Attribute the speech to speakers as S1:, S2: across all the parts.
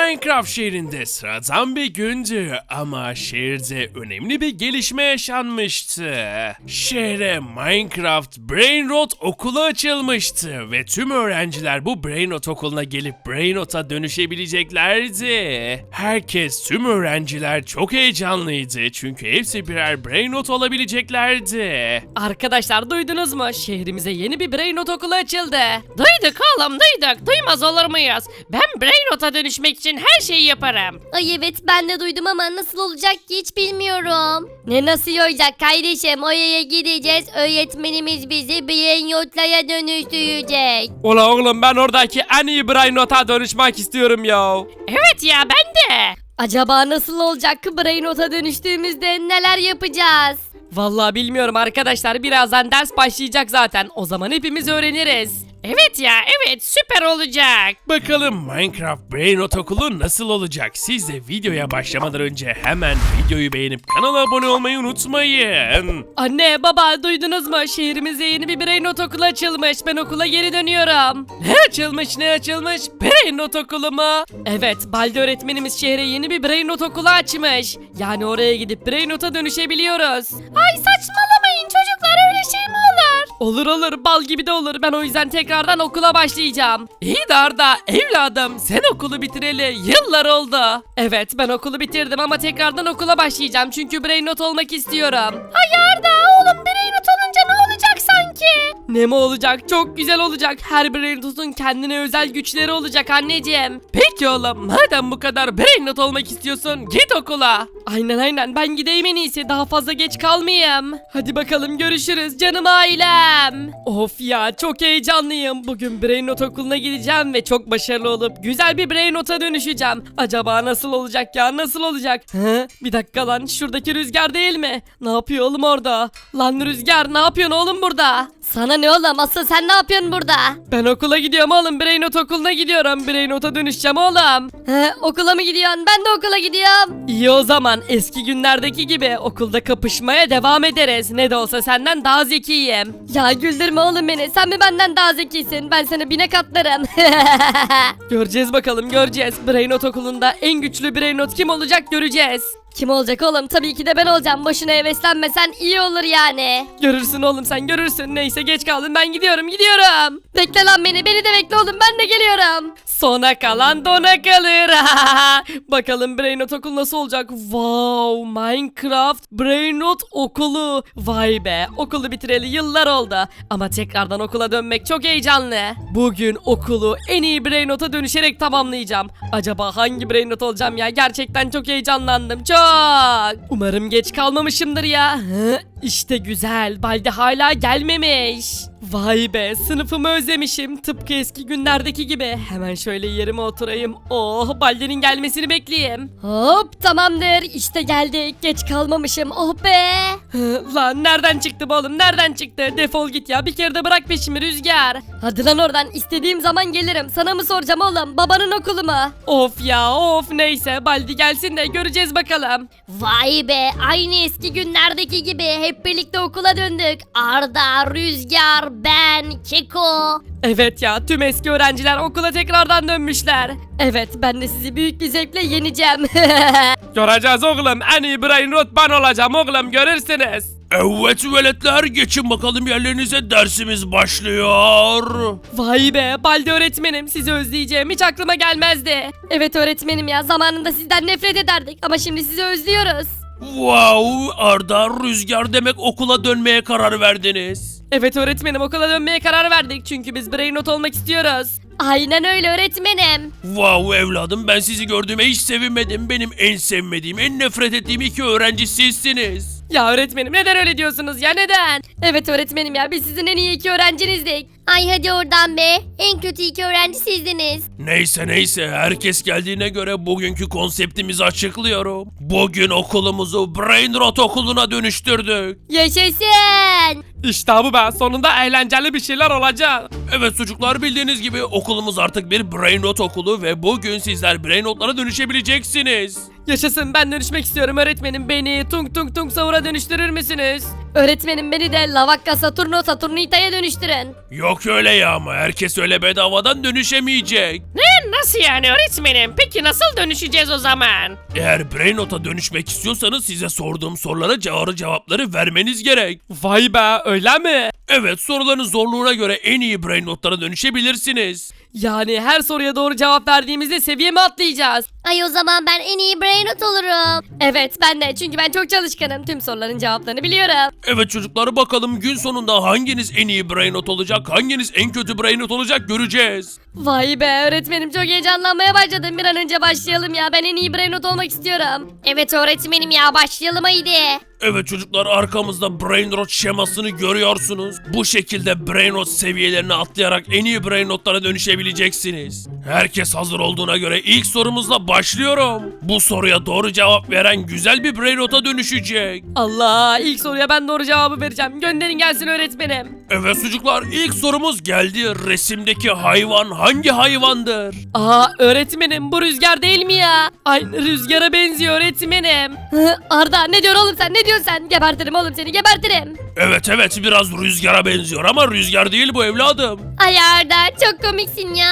S1: Minecraft şehrinde sıradan bir gündü ama şehirde önemli bir gelişme yaşanmıştı. Şehre Minecraft Brainrot okulu açılmıştı ve tüm öğrenciler bu Brainrot okuluna gelip Brainrot'a dönüşebileceklerdi. Tüm öğrenciler çok heyecanlıydı çünkü hepsi birer Brainrot olabileceklerdi.
S2: Arkadaşlar duydunuz mu? Şehrimize yeni bir Brainrot okulu açıldı. Duyduk oğlum duyduk. Duymaz olur muyuz? Ben Brainrot'a dönüşmek için her şeyi yaparım.
S3: Ay evet ben de duydum ama nasıl olacak ki hiç bilmiyorum. Ne nasıl olacak kardeşim, oraya gideceğiz, öğretmenimiz bizi Brainrot'lara dönüştürecek.
S4: Ula oğlum ben oradaki en iyi Brainrot'a dönüşmek istiyorum ya.
S2: Evet ya ben de.
S3: Acaba nasıl olacak ki Brainrot'a dönüştüğümüzde neler yapacağız?
S2: Vallahi bilmiyorum arkadaşlar, birazdan ders başlayacak zaten. O zaman hepimiz öğreniriz. Evet ya evet, süper olacak.
S1: Bakalım Minecraft Brainrot okulu nasıl olacak? Siz de videoya başlamadan önce hemen videoyu beğenip kanala abone olmayı unutmayın.
S2: Anne baba duydunuz mu? Şehrimizde yeni bir Brainrot okulu açılmış. Ben okula geri dönüyorum. Ne açılmış? Brainrot okulu mu? Evet, Baldi öğretmenimiz şehre yeni bir Brainrot okulu açmış. Yani oraya gidip Brainrot'a dönüşebiliyoruz.
S3: Ay saçmalamayın çocuklar, öyle şey mi olur?
S2: Olur bal gibi de olur. Ben o yüzden tekrardan okula başlayacağım. İyi de Arda evladım, sen okulu bitireli yıllar oldu. Evet, ben okulu bitirdim ama tekrardan okula başlayacağım çünkü Brainrot olmak istiyorum.
S3: Ay Arda oğlum, Brainrot olunca ne olacak sanki?
S2: Ne mi olacak? Çok güzel olacak. Her Brainrot'un kendine özel güçleri olacak anneciğim. Peki oğlum, madem bu kadar Brainrot olmak istiyorsun git okula. Aynen ben gideyim en iyisi, daha fazla geç kalmayayım. Hadi bakalım görüşürüz canım ailem. Of ya, çok heyecanlıyım. Bugün Brainrot okuluna gideceğim ve çok başarılı olup güzel bir Brainrot'a dönüşeceğim. Acaba nasıl olacak ya, nasıl olacak? Bir dakika lan, şuradaki Rüzgar değil mi? Ne yapıyor oğlum orada? Lan Rüzgar, ne yapıyorsun oğlum burada?
S3: Sana ne oğlum, asıl sen ne yapıyorsun burada?
S2: Ben okula gidiyorum oğlum, Brainrot okuluna gidiyorum. Brainrot'a dönüşeceğim oğlum.
S3: Okula mı gidiyorsun? Ben de okula gidiyorum.
S2: İyi o zaman, eski günlerdeki gibi okulda kapışmaya devam ederiz. Ne de olsa senden daha zekiyim.
S3: Ya güldürme oğlum beni, sen mi benden daha zekisin? Ben sana bine katlarım.
S2: Göreceğiz bakalım, göreceğiz. Brainrot okulunda en güçlü Brainrot kim olacak göreceğiz.
S3: Kim olacak oğlum? Tabii ki de ben olacağım. Boşuna heveslenmesen iyi olur yani.
S2: Görürsün oğlum, sen görürsün. Neyse, geç kaldım, ben gidiyorum.
S3: Bekle lan beni de bekle oğlum, ben de geliyorum.
S2: Sona kalan dona kalır. Bakalım Brainrot okulu nasıl olacak? Wow, Minecraft Brainrot okulu. Vay be, okulu bitireli yıllar oldu. Ama tekrardan okula dönmek çok heyecanlı. Bugün okulu en iyi Brainrot'a dönüşerek tamamlayacağım. Acaba hangi Brainrot olacağım ya? Gerçekten çok heyecanlandım, çok. Umarım geç kalmamışımdır ya. İşte güzel, Baldi hala gelmemiş. Vay be, sınıfımı özlemişim. Tıpkı eski günlerdeki gibi. Hemen şöyle yerime oturayım. Oh, Baldi'nin gelmesini bekleyeyim.
S3: Hop tamamdır, işte geldik. Geç kalmamışım, oh be.
S2: Lan nereden çıktı bu oğlum, nereden çıktı? Defol git ya, bir kere de bırak peşimi Rüzgar.
S3: Hadi lan oradan, istediğim zaman gelirim. Sana mı soracağım oğlum, babanın okulu mu?
S2: Of ya of, neyse Baldi gelsin de göreceğiz bakalım.
S3: Vay be, aynı eski günlerdeki gibi hep birlikte okula döndük. Arda, Rüzgar, ben, Keko.
S2: Evet ya, tüm eski öğrenciler okula tekrardan dönmüşler. Evet, ben de sizi büyük bir zevkle yeneceğim.
S4: Göreceğiz oğlum, en iyi Brainrot ben olacağım oğlum, görürsünüz.
S1: Evet veletler, geçin bakalım yerlerinize, dersimiz başlıyor.
S2: Vay be, Baldi öğretmenim, sizi özleyeceğim hiç aklıma gelmezdi.
S3: Evet öğretmenim ya, zamanında sizden nefret ederdik ama şimdi sizi özlüyoruz.
S1: Wow, Arda, Rüzgar, demek okula dönmeye karar verdiniz.
S2: Evet öğretmenim, okula dönmeye karar verdik çünkü biz Brainrot olmak istiyoruz.
S3: Aynen öyle öğretmenim.
S1: Wow evladım, ben sizi gördüğüme hiç sevinmedim. Benim en sevmediğim, en nefret ettiğim iki öğrenci sizsiniz.
S2: Ya öğretmenim, neden öyle diyorsunuz ya, neden?
S3: Evet öğretmenim ya, biz sizin en iyi iki öğrencinizdik. Ay hadi oradan be, en kötü iki öğrenci sizdiniz.
S1: Neyse, herkes geldiğine göre bugünkü konseptimizi açıklıyorum. Bugün okulumuzu Brainrot okuluna dönüştürdük.
S3: Yaşasın.
S4: İşte bu be, sonunda eğlenceli bir şeyler olacak.
S1: Evet çocuklar, bildiğiniz gibi okulumuz artık bir Brainrot okulu ve bugün sizler Brainrot'lara dönüşebileceksiniz.
S2: Yaşasın, ben dönüşmek istiyorum öğretmenim, beni tung tung tung savura dönüştürür müsünüz?
S3: Öğretmenim beni de Lavakka Saturno Saturnita'ya dönüştürün.
S1: Yok öyle ya, ama herkes öyle bedavadan dönüşemeyecek.
S2: Ne
S5: Nasıl yani öğretmenim? Peki nasıl dönüşeceğiz o zaman?
S1: Eğer Brain Rot'a dönüşmek istiyorsanız size sorduğum sorulara doğru cevapları vermeniz gerek.
S4: Vay be öyle mi?
S1: Evet, soruların zorluğuna göre en iyi Brain Rot'lara dönüşebilirsiniz.
S2: Yani her soruya doğru cevap verdiğimizde seviye mi atlayacağız?
S3: Ay o zaman ben en iyi brainrot olurum.
S2: Evet ben de, çünkü ben çok çalışkanım. Tüm soruların cevaplarını biliyorum.
S1: Evet çocuklar, bakalım gün sonunda hanginiz en iyi Brain Rot olacak, hanginiz en kötü Brain Rot olacak göreceğiz.
S2: Vay be öğretmenim, çok heyecanlanmaya başladım. Bir an önce başlayalım ya. Ben en iyi brainrot olmak istiyorum.
S3: Evet öğretmenim ya, başlayalım haydi.
S1: Evet çocuklar, arkamızda Brain Rot şemasını görüyorsunuz. Bu şekilde Brain Rot seviyelerini atlayarak en iyi Brain Rot'lara dönüşebileceksiniz. Herkes hazır olduğuna göre ilk sorumuzla başlıyorum. Bu soruya doğru cevap veren güzel bir Brain Rot'a dönüşecek.
S2: Allah, ilk soruya ben doğru cevabı vereceğim. Gönderin gelsin öğretmenim.
S1: Evet çocuklar, ilk sorumuz geldi. Resimdeki hayvan hangi hayvandır?
S2: Aa öğretmenim, bu rüzgar değil mi ya? Aynı rüzgara benziyor öğretmenim. Arda ne diyorsun oğlum sen, ne diyorsun sen? Gebertirim oğlum seni, gebertirim.
S1: Evet biraz rüzgara benziyor ama rüzgar değil bu evladım.
S3: Ay Arda çok komiksin ya.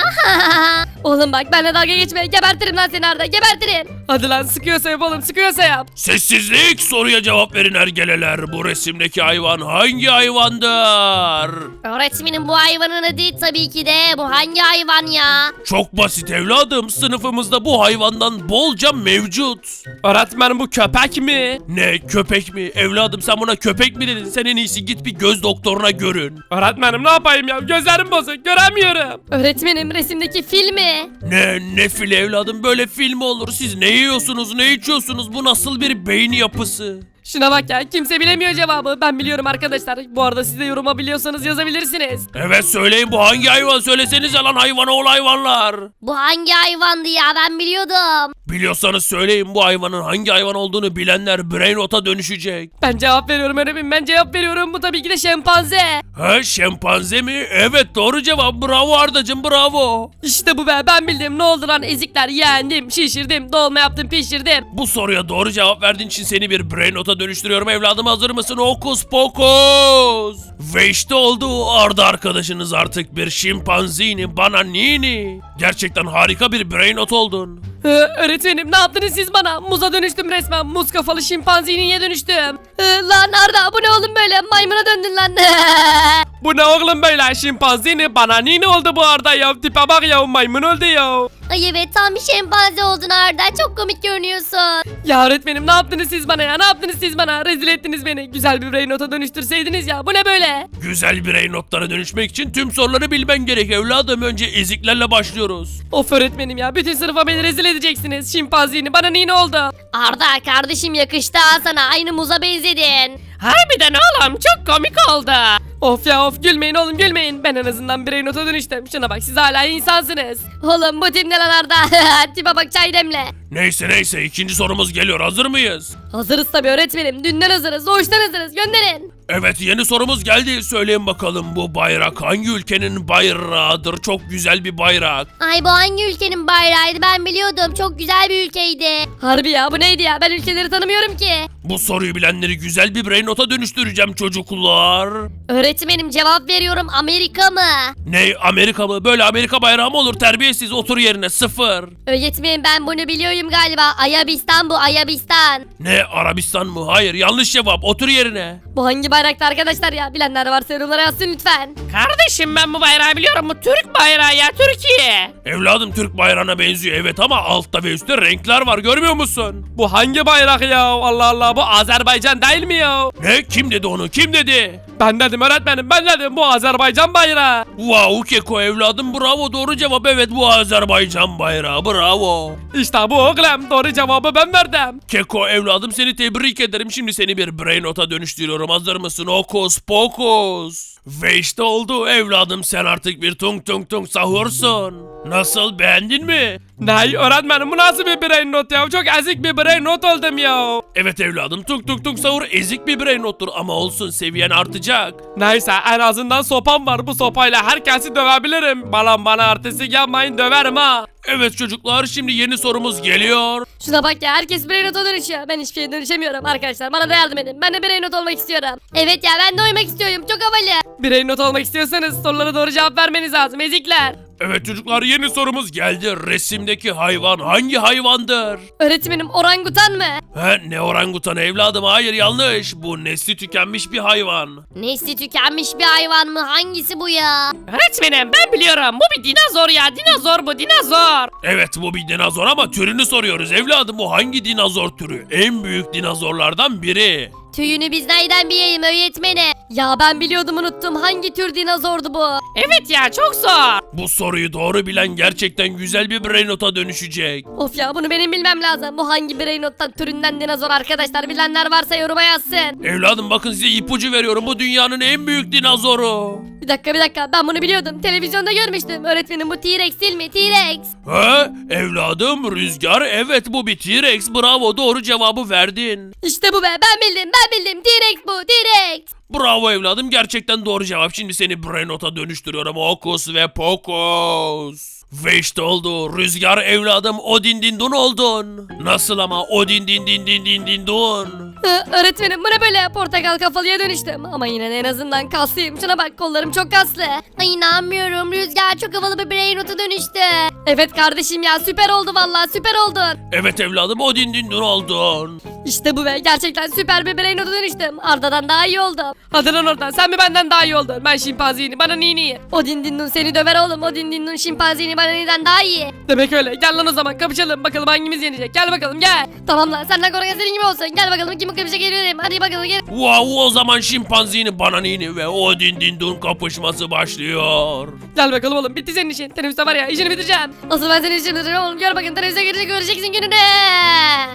S2: Oğlum bak benimle dalga geçme, gebertirim lan seni Arda, gebertirim. Hadi lan, sıkıyorsa yap oğlum, sıkıyorsa yap.
S1: Sessizlik, soruya cevap verin ergeleler. Bu resimdeki hayvan hangi hayvandır?
S3: Öğretmenim bu hayvanın adı tabii ki de bu hangi hayvan ya?
S1: Çok basit evladım, sınıfımızda bu hayvandan bolca mevcut.
S4: Öğretmenim bu köpek mi?
S1: Ne, köpek mi? Evladım sen buna köpek mi dedin? Sen en iyisi git bir göz doktoruna görün.
S4: Öğretmenim ne yapayım ya? Gözlerim bozuk göremiyorum.
S2: Öğretmenim resimdeki fil mi?
S1: Ne fil evladım, böyle film olur. Siz ne yiyorsunuz, ne içiyorsunuz? Bu nasıl bir beyin yapısı?
S2: Şuna bak ya, kimse bilemiyor cevabı. Ben biliyorum arkadaşlar. Bu arada siz de yoruma biliyorsanız yazabilirsiniz.
S1: Evet söyleyin, bu hangi hayvan? Söylesenize lan, hayvan oğul hayvanlar.
S3: Bu hangi hayvandı ya, ben biliyordum.
S1: Biliyorsanız söyleyin, bu hayvanın hangi hayvan olduğunu bilenler Brain Rot'a dönüşecek.
S2: Ben cevap veriyorum öğretmenim, ben cevap veriyorum. Bu tabii ki de şempanze.
S1: Ha, şempanze mi? Evet doğru cevap, bravo Ardacım, bravo.
S2: İşte bu be, ben bildim. Ne oldu lan ezikler, yendim, şişirdim, dolma yaptım, pişirdim.
S1: Bu soruya doğru cevap verdiğin için seni bir Brain Rot'a dönüştürüyorum evladım, hazır mısın? Hokus pokus. Ve işte oldu, Arda arkadaşınız artık bir şimpanzini bananini. Gerçekten harika bir Brain Rot oldun.
S2: Öğretmenim ne yaptınız siz bana? Muza dönüştüm resmen. Muz kafalı şimpanziniye dönüştüm. Lan Arda, bu ne oğlum böyle? Maymuna döndün lan.
S4: Bu ne oğlum böyle? Şimpanzini bananini oldu bu arada ya. Tipe bak ya, maymun oldu ya.
S3: Ay evet, tam bir şempanze oldun Arda, çok komik görünüyorsun.
S2: Ya öğretmenim ne yaptınız siz bana ya? Ne yaptınız siz bana? Rezil ettiniz beni. Güzel bir brain nota dönüştürseydiniz ya. Bu ne böyle?
S1: Güzel Brain Rot'lara dönüşmek için tüm soruları bilmen gerek evladım. Önce eziklerle başlıyoruz.
S2: Of öğretmenim ya. Bütün sınıfa beni rezil edeceksiniz. Şimpanzini bana ne oldu?
S3: Arda kardeşim, yakıştı ha sana, aynı muza benzedin.
S5: Harbiden oğlum çok komik oldu.
S2: Of ya of, gülmeyin oğlum gülmeyin. Ben en azından brain nota dönüştüm. Şuna bak, siz hala insansınız. Oğlum bu tip ne lan Arda? Tipe bak, çay demle.
S1: Neyse ikinci sorumuz geliyor, hazır mıyız?
S2: Hazırız tabii öğretmenim. Dünden hazırız. Doğuştan hazırız. Gönderin.
S1: Evet, yeni sorumuz geldi. Söyleyin bakalım, bu bayrak hangi ülkenin bayrağıdır? Çok güzel bir bayrak.
S3: Ay bu hangi ülkenin bayrağıydı, ben biliyordum, çok güzel bir ülkeydi.
S2: Harbi ya, bu neydi ya? Ben ülkeleri tanımıyorum ki.
S1: Bu soruyu bilenleri güzel bir Brain Rot'a dönüştüreceğim çocuklar.
S3: Öğretmenim cevap veriyorum, Amerika mı?
S1: Ne, Amerika mı? Böyle Amerika bayrağı mı olur? Terbiyesiz, otur yerine, sıfır.
S3: Öğretmenim ben bunu biliyorum galiba, Ayabistan bu, Ayabistan.
S1: Ne, Arabistan mı? Hayır, yanlış cevap, otur yerine.
S2: Bu hangi bayraktı arkadaşlar ya? Bilenler varsa yorumlara yazsın lütfen.
S5: Kardeşim ben bu bayrağı biliyorum. Bu Türk bayrağı ya, Türkiye.
S1: Evladım, Türk bayrağına benziyor evet, ama altta ve üstte renkler var, görmüyor musun?
S4: Bu hangi bayrak ya? Allah Allah, bu Azerbaycan değil mi ya?
S1: Ne, kim dedi onu, kim dedi?
S4: Ben dedim öğretmenim, ben dedim bu Azerbaycan bayrağı.
S1: Wow Keko evladım, bravo, doğru cevap, evet bu Azerbaycan bayrağı, bravo.
S4: İşte bu oğlum, doğru cevabı ben verdim.
S1: Keko evladım, seni tebrik ederim, şimdi seni bir Brain Rot'a dönüştürüyorum, hazır mısın? Hokus pokus. Ve işte oldu evladım, sen artık bir tung tung tung sahursun. Nasıl, beğendin mi?
S4: Ne öğretmenim, bu nasıl bir brain not ya? Çok ezik bir brain not oldum ya.
S1: Evet evladım, tung tung tung sahur ezik bir Brain Rot'tur ama olsun, seviyen artacak.
S4: Neyse, en azından sopam var. Bu sopayla herkesi dövebilirim. Bana artistik yapmayın, döverim ha.
S1: Evet çocuklar, şimdi yeni sorumuz geliyor.
S2: Şuna bak ya, herkes brain nota dönüşüyor. Ben hiçbir şeye dönüşemiyorum arkadaşlar. Bana da yardım edin. Ben de brain not olmak istiyorum.
S3: Evet ya, ben de oynamak istiyorum, çok havalı.
S2: Brain not olmak istiyorsanız sorulara doğru cevap vermeniz lazım ezikler.
S1: Evet çocuklar, yeni sorumuz geldi. Resimdeki hayvan hangi hayvandır?
S2: Öğretmenim orangutan mı?
S1: He, ne orangutan evladım? Hayır, yanlış. Bu nesli tükenmiş bir hayvan.
S3: Nesli tükenmiş bir hayvan mı? Hangisi bu ya?
S5: Öğretmenim ben biliyorum. Bu bir dinozor ya. Dinozor bu dinozor.
S1: Evet, bu bir dinozor ama türünü soruyoruz evladım. Bu hangi dinozor türü? En büyük dinozorlardan biri.
S3: Tüyünü biz nereden bilelim öğretmenim?
S2: Ya ben biliyordum unuttum. Hangi tür dinozordu bu?
S5: Evet ya çok zor.
S1: Bu soruyu doğru bilen gerçekten güzel bir brain nota dönüşecek.
S2: Of ya bunu benim bilmem lazım. Bu hangi Brainot'tan türünden dinozor arkadaşlar? Bilenler varsa yoruma yazsın.
S1: Evladım bakın, size ipucu veriyorum. Bu dünyanın en büyük dinozoru.
S2: Bir dakika ben bunu biliyordum. Televizyonda görmüştüm. Öğretmenim bu T-Rex değil mi? T-Rex.
S1: He evladım, Rüzgar, evet bu bir T-Rex. Bravo, doğru cevabı verdin.
S2: İşte bu be ben bildim.
S3: T-Rex bu T-Rex.
S1: Bravo evladım, gerçekten doğru cevap. Şimdi seni brain nota dönüştürüyorum. Hokus ve pokus. Ve işte oldu. Rüzgar evladım, Odin Dindun oldun. Nasıl ama, Odin Dindun.
S2: Öğretmenim bu ne böyle? Portakal kafalıya dönüştüm. Ama yine de en azından kaslıyım. Şuna bak kollarım çok kaslı.
S3: Ay inanmıyorum. Rüzgar çok havalı bir brain rota dönüştü.
S2: Evet kardeşim ya süper oldu vallahi süper oldun.
S1: Evet evladım, Odin Dindun oldun.
S2: İşte bu be gerçekten süper bir Brainot'a dönüştüm. Arda'dan daha iyi oldum. Hadi lan oradan sen mi benden daha iyi oldun? Ben şimpanzini bana nini. Odin Dindun seni döver oğlum. Odin Dindun şimpanzini bana niden daha iyi. Demek öyle. Gel lan o zaman kapışalım. Bakalım hangimiz yenecek. Gel bakalım gel. Tamam lan senden korkan senin gibi olsun. Gel bakalım kim kapışacak gelirim. Hadi bakalım gel.
S1: Wow, o zaman şimpanzini, bananini ve Odin Dindun kapışması başlıyor.
S2: Gel bakalım oğlum bitti senin işin. Teneffüste var ya işini bitireceğim. Asıl ben senin işini bitireceğim oğlum. Gör bakın teneffüse girecek göreceksin gününü.